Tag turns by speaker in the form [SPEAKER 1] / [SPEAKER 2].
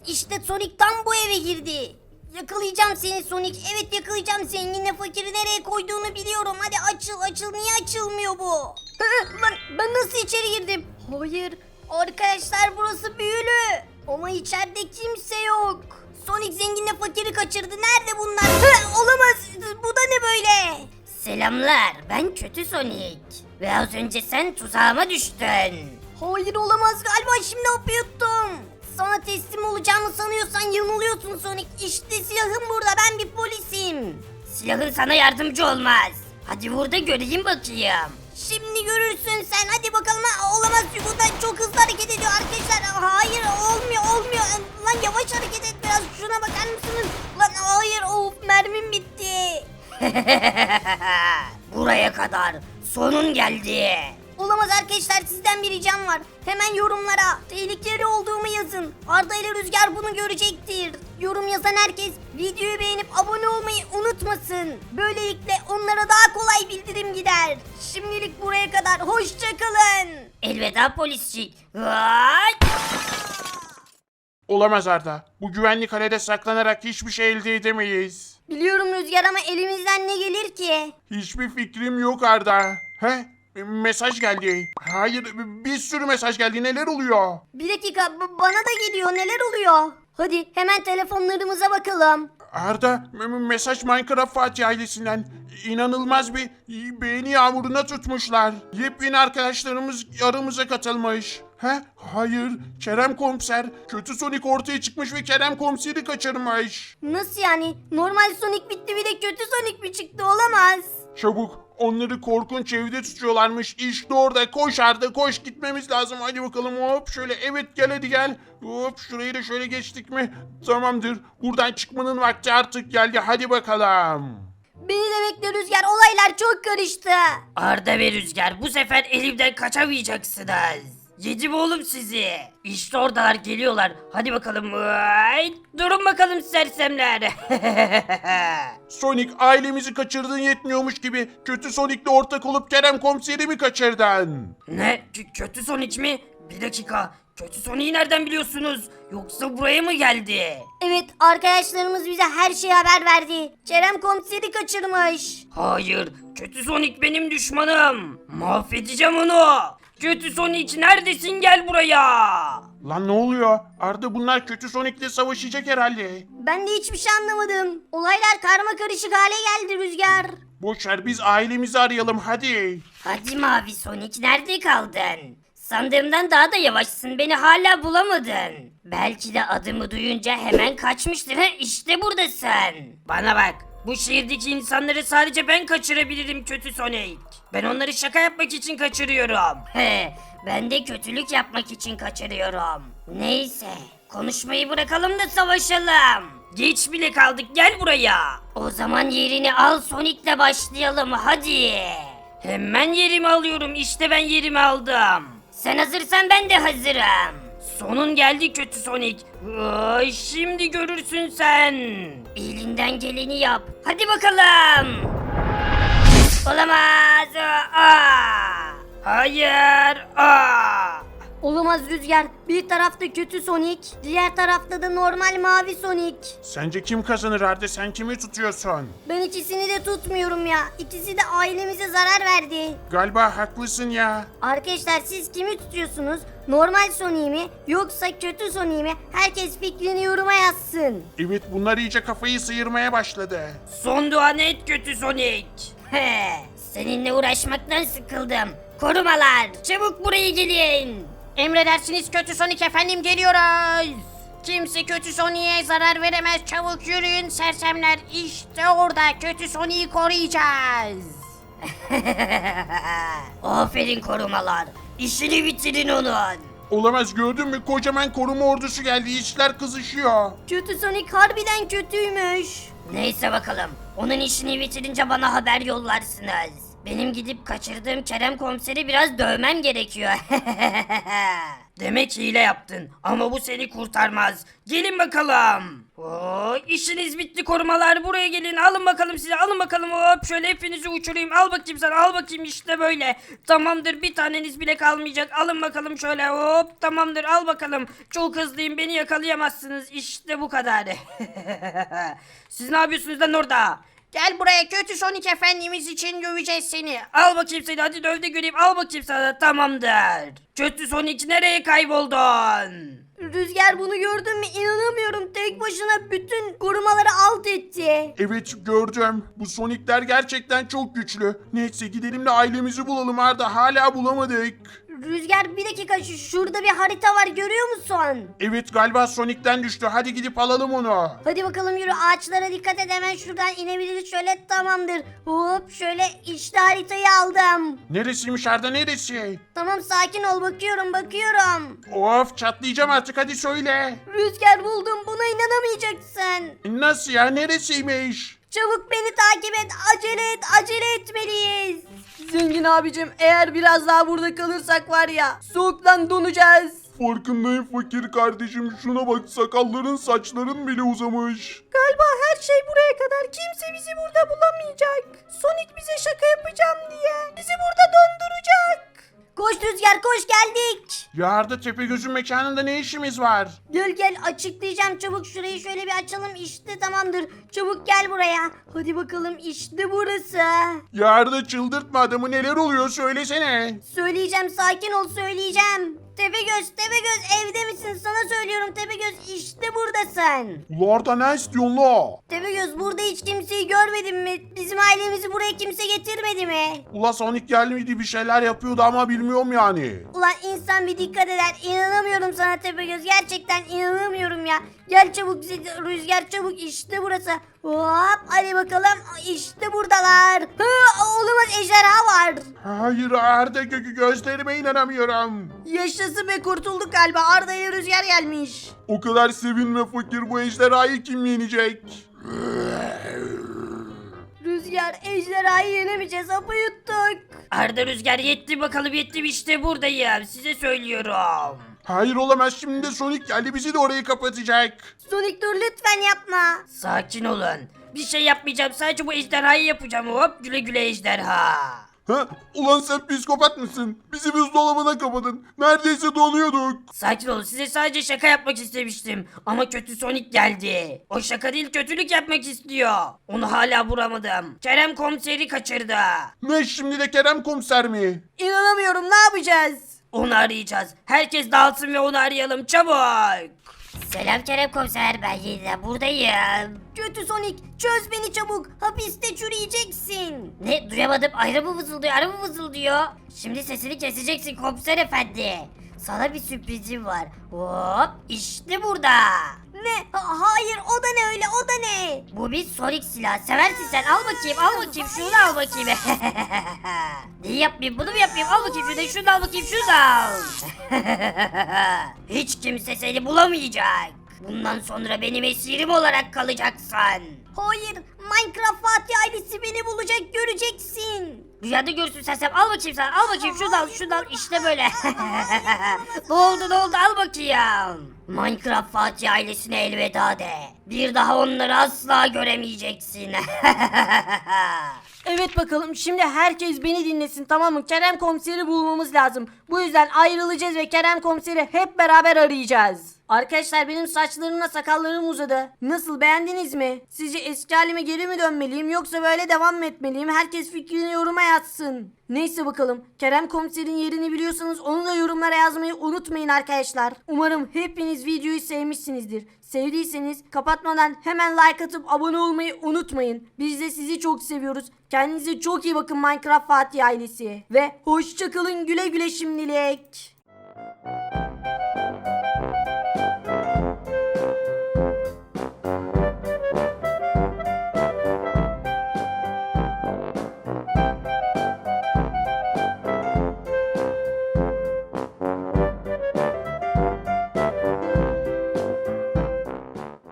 [SPEAKER 1] İşte Sonic tam bu eve girdi. Yakalayacağım seni Sonic. Evet yakalayacağım. Zenginle fakiri nereye koyduğunu biliyorum. Hadi açıl. Niye açılmıyor bu? Ben nasıl içeri girdim? Hayır. Arkadaşlar burası büyülü. Ama içeride kimse yok. Sonic zenginle fakiri kaçırdı. Nerede bunlar? Olamaz. Bu da ne böyle? Selamlar. Ben kötü Sonic. Ve az önce sen tuzağıma düştün. Hayır olamaz. Galiba şimdi hapı yuttum. Sana teslim olacağımı sanıyorsan yanılıyorsun Sonic. İşte silahım burada. Ben bir polisim. Silahın sana yardımcı olmaz. Hadi vur da göreyim bakayım. Şimdi görürsün sen. Hadi bakalım. Olamaz. Bu da çok hızlı hareket ediyor arkadaşlar. Hayır olmuyor. Lan yavaş hareket et biraz. Şuna bakar mısınız? Lan hayır. Of mermim bitti. Buraya kadar. Sonun geldi. Olamaz arkadaşlar sizden bir ricam var. Hemen yorumlara tehlikeli olduğumu yazın. Arda ile Rüzgar bunu görecektir. Yorum yazan herkes videoyu beğenip abone olmayı unutmasın. Böylelikle onlara daha kolay bildirim gider. Şimdilik buraya kadar hoşçakalın. Elveda polisçik.
[SPEAKER 2] Olamaz Arda. Bu güvenlik kalede saklanarak hiçbir şey elde edemeyiz.
[SPEAKER 1] Biliyorum Rüzgar ama elimizden ne gelir ki?
[SPEAKER 2] Hiçbir fikrim yok Arda. He? Mesaj geldi. Hayır, bir sürü mesaj geldi. Neler oluyor?
[SPEAKER 1] Bir dakika bana da geliyor neler oluyor? Hadi hemen telefonlarımıza bakalım.
[SPEAKER 2] Arda, mesaj Minecraft Fatih ailesinden. İnanılmaz bir beğeni yağmuruna tutmuşlar. Yepyeni arkadaşlarımız aramıza katılmış. He? Hayır. Kerem Komiser. Kötü Sonic ortaya çıkmış ve Kerem Komiser'i kaçırmış.
[SPEAKER 1] Nasıl yani? Normal Sonic bitti bir de kötü Sonic mi çıktı olamaz.
[SPEAKER 2] Çabuk. Onları korkunç evde tutuyorlarmış. İşte orada. Koş Arda koş. Gitmemiz lazım. Hadi bakalım hop şöyle. Evet gel hadi gel. Hop şurayı da şöyle geçtik mi? Tamamdır. Buradan çıkmanın vakti artık geldi. Hadi bakalım.
[SPEAKER 1] Beni de bekle Rüzgar olaylar çok karıştı.
[SPEAKER 3] Arda ve Rüzgar bu sefer elimden kaçamayacaksınız. Yedim oğlum sizi. İşte oradalar geliyorlar. Hadi bakalım. Ay, durun bakalım sersemler.
[SPEAKER 2] Sonic ailemizi kaçırdığın yetmiyormuş gibi kötü Sonic'le ortak olup Kerem Komiser'i mi kaçırdın?
[SPEAKER 3] Ne? Kötü Sonic mi? Bir dakika. Kötü Sonic'i nereden biliyorsunuz? Yoksa buraya mı geldi?
[SPEAKER 1] Evet arkadaşlarımız bize her şeyi haber verdi. Kerem komiseri kaçırmış.
[SPEAKER 3] Hayır. Kötü Sonic benim düşmanım. Mahvedeceğim onu. Kötü Sonic neredesin gel buraya.
[SPEAKER 2] Lan ne oluyor? Arda bunlar kötü Sonic'le savaşacak herhalde.
[SPEAKER 1] Ben de hiçbir şey anlamadım. Olaylar karma karışık hale geldi Rüzgar.
[SPEAKER 2] Boşver biz ailemizi arayalım hadi.
[SPEAKER 3] Hadi Mavi Sonic nerede kaldın? Sandığımdan daha da yavaşsın beni hala bulamadın. Belki de adımı duyunca hemen kaçmıştır. İşte buradasın. Bana bak. Bu şehirdeki insanları sadece ben kaçırabilirim kötü Sonic. Ben onları şaka yapmak için kaçırıyorum. Ben de kötülük yapmak için kaçırıyorum. Neyse. Konuşmayı bırakalım da savaşalım. Geç bile kaldık gel buraya. O zaman yerini al Sonic'le başlayalım hadi. Hemen yerimi alıyorum işte ben yerimi aldım. Sen hazırsan ben de hazırım. Sonun geldi kötü Sonic. Ay, şimdi görürsün sen. Elinden geleni yap. Hadi bakalım. Olamaz. Hayır.
[SPEAKER 1] Olamaz Rüzgar. Bir tarafta kötü Sonic, diğer tarafta da normal mavi Sonic.
[SPEAKER 2] Sence kim kazanır Arda sen kimi tutuyorsun?
[SPEAKER 1] Ben ikisini de tutmuyorum ya. İkisi de ailemize zarar verdi.
[SPEAKER 2] Galiba haklısın ya.
[SPEAKER 1] Arkadaşlar siz kimi tutuyorsunuz? Normal Sonic'i mi yoksa kötü Sonic'i mi? Herkes fikrini yoruma yazsın.
[SPEAKER 2] Evet bunlar iyice kafayı sıyırmaya başladı.
[SPEAKER 3] Son duanı et kötü Sonic. Seninle uğraşmaktan sıkıldım. Korumalar çabuk buraya gelin.
[SPEAKER 1] Emredersiniz kötü Sonic efendim geliyoruz. Kimse kötü Sonic'e zarar veremez. Çabuk yürüyün sersemler. İşte orada kötü Sonic'i koruyacağız.
[SPEAKER 3] Aferin korumalar. İşini bitirin onun.
[SPEAKER 2] Olamaz gördün mü kocaman koruma ordusu geldi işler kızışıyor.
[SPEAKER 1] Kötü Sonic harbiden kötüymüş.
[SPEAKER 3] Neyse bakalım. Onun işini bitirince bana haber yollarsınız. Benim gidip kaçırdığım Kerem komiseri biraz dövmem gerekiyor. Demek hile yaptın ama bu seni kurtarmaz. Gelin bakalım. Oo, işiniz bitti korumalar, buraya gelin, alın bakalım size, alın bakalım, hop şöyle hepinizi uçurayım, al bakayım sen, al bakayım, işte böyle. Tamamdır, bir taneniz bile kalmayacak, alın bakalım şöyle, hop tamamdır, al bakalım. Çok hızlıyım, beni yakalayamazsınız, işte bu kadar. Siz ne yapıyorsunuz lan orada? Gel buraya, kötü Sonic efendimiz için döveceğiz seni. Al bakayım seni, hadi döv de göreyim, al bakayım sana, tamamdır. Kötü Sonic nereye kayboldun?
[SPEAKER 1] Rüzgar, bunu gördün mü? İnanamıyorum. Tek başına bütün korumaları alt etti.
[SPEAKER 2] Evet gördüm. Bu Sonic'ler gerçekten çok güçlü. Neyse gidelim de ailemizi bulalım Arda. Hala bulamadık.
[SPEAKER 1] Rüzgar, bir dakika, şurada bir harita var, görüyor musun?
[SPEAKER 2] Evet galiba Sonic'ten düştü. Hadi gidip alalım onu.
[SPEAKER 1] Hadi bakalım, yürü, ağaçlara dikkat et, hemen şuradan inebiliriz, şöyle, tamamdır. Hop şöyle, işte haritayı aldım.
[SPEAKER 2] Neresiymiş Arda, neresi?
[SPEAKER 1] Tamam, sakin ol, bakıyorum.
[SPEAKER 2] Of çatlayacağım artık, hadi söyle.
[SPEAKER 1] Rüzgar, buldum, buna inanamayacaksın.
[SPEAKER 2] Nasıl ya, neresiymiş?
[SPEAKER 1] Çabuk beni takip et, acele etmeliyiz.
[SPEAKER 4] Zengin abicim, eğer biraz daha burada kalırsak var ya, soğuktan donacağız.
[SPEAKER 2] Farkındayım fakir kardeşim, şuna bak, sakalların saçların bile uzamış.
[SPEAKER 4] Galiba her şey buraya kadar, kimse bizi burada bulamayacak. Sonic bize şaka yapacağım diye bizi burada donduracak.
[SPEAKER 1] Koş Rüzgar, koş, geldik.
[SPEAKER 2] Ya Arda, Tepegöz'ün mekanında ne işimiz var?
[SPEAKER 1] Gel açıklayacağım, çabuk şurayı şöyle bir açalım, işte tamamdır. Çabuk gel buraya. Hadi bakalım, işte burası.
[SPEAKER 2] Ya Arda, çıldırtma adamı, neler oluyor söylesene.
[SPEAKER 1] Söyleyeceğim, sakin ol, söyleyeceğim. Tepegöz evde misin? Sana söylüyorum Tepegöz, işte buradasın.
[SPEAKER 2] Ula Arda, ne istiyorsun la?
[SPEAKER 1] Tepegöz, burada hiç kimseyi görmedin mi? Bizim ailemizi buraya kimse getirmedi mi?
[SPEAKER 2] Ula Sonic gelmedi, bir şeyler yapıyordu ama bilmiyorum yani.
[SPEAKER 1] Ulan insan bir dikkat eder. İnanamıyorum sana Tepegöz. Gerçekten inanamıyorum ya. Gel çabuk Rüzgar, çabuk, işte burası. Hop hadi bakalım, işte buradalar. Olamaz, ejderha var.
[SPEAKER 2] Hayır Arda, gözlerime inanamıyorum.
[SPEAKER 4] Yaşasın be, kurtulduk galiba. Arda'ya Rüzgar gelmiş.
[SPEAKER 2] O kadar sevinme fakir, bu ejderhayı kim yenecek?
[SPEAKER 1] Rüzgar, ejderhayı yenemeyeceğiz, hapı yuttuk.
[SPEAKER 3] Arda, Rüzgar, yetti bakalım, yetti, işte buradayım, size söylüyorum.
[SPEAKER 2] Hayır olamaz, şimdi de Sonic geldi, bizi de orayı kapatacak.
[SPEAKER 1] Sonic, dur lütfen, yapma.
[SPEAKER 3] Sakin olun, bir şey yapmayacağım, sadece bu ejderhayı yapacağım, hop güle güle ejderha.
[SPEAKER 2] Ha? Ulan sen psikopat mısın? Bizi buzdolabına kapadın. Neredeyse donuyorduk.
[SPEAKER 3] Sakin olun, size sadece şaka yapmak istemiştim. Ama kötü Sonic geldi. O şaka değil, kötülük yapmak istiyor. Onu hala vuramadım. Kerem komiseri kaçırdı.
[SPEAKER 2] Ne, şimdi de Kerem komiser mi?
[SPEAKER 4] İnanamıyorum, ne yapacağız?
[SPEAKER 3] Onu arayacağız. Herkes dağılsın ve onu arayalım çabuk. Selam Kerem komiser, ben yine buradayım.
[SPEAKER 1] Kötü Sonic, çöz beni çabuk. Hapiste çürüyeceksin.
[SPEAKER 3] Ne, duyamadım, araba vızıldıyor, araba vızıldıyor. Şimdi sesini keseceksin komiser efendi. Sana bir sürprizim var. Hop, işte burada.
[SPEAKER 1] Ne? Hayır, o da ne öyle, o da ne?
[SPEAKER 3] Bu bir Sonic silahı. Seversin sen. Al bakayım, al bakayım. Şunu da al bakayım. Neyi yapmayayım, bunu mu yapmayayım? Al bakayım şunu da al bakayım, şunu da al. Hiç kimse seni bulamayacak. Bundan sonra benim esirim olarak kalacaksın.
[SPEAKER 1] Hayır, Minecraft Fatih ailesi beni bulacak, göreceksin.
[SPEAKER 3] Rüyada görürsün sen. Al bakayım sen. Al bakayım şunu da al, şunu da al. İşte böyle. Ne oldu, al bakayım. Minecraft Fatih ailesine elveda de. Bir daha onları asla göremeyeceksin.
[SPEAKER 4] Evet bakalım, şimdi herkes beni dinlesin, tamam mı? Kerem komiseri bulmamız lazım. Bu yüzden ayrılacağız ve Kerem komiseri hep beraber arayacağız. Arkadaşlar, benim saçlarımla sakallarım uzadı. Nasıl, beğendiniz mi? Sizce eski halime geri mi dönmeliyim, yoksa böyle devam mı etmeliyim? Herkes fikrini yoruma yazsın. Neyse bakalım, Kerem komiserin yerini biliyorsanız onu da yorumlara yazmayı unutmayın arkadaşlar. Umarım hepiniz videoyu sevmişsinizdir. Sevdiyseniz kapatmadan hemen like atıp abone olmayı unutmayın. Biz de sizi çok seviyoruz. Kendinize çok iyi bakın Minecraft Fatih ailesi. Ve hoşça kalın, güle güle şimdilik.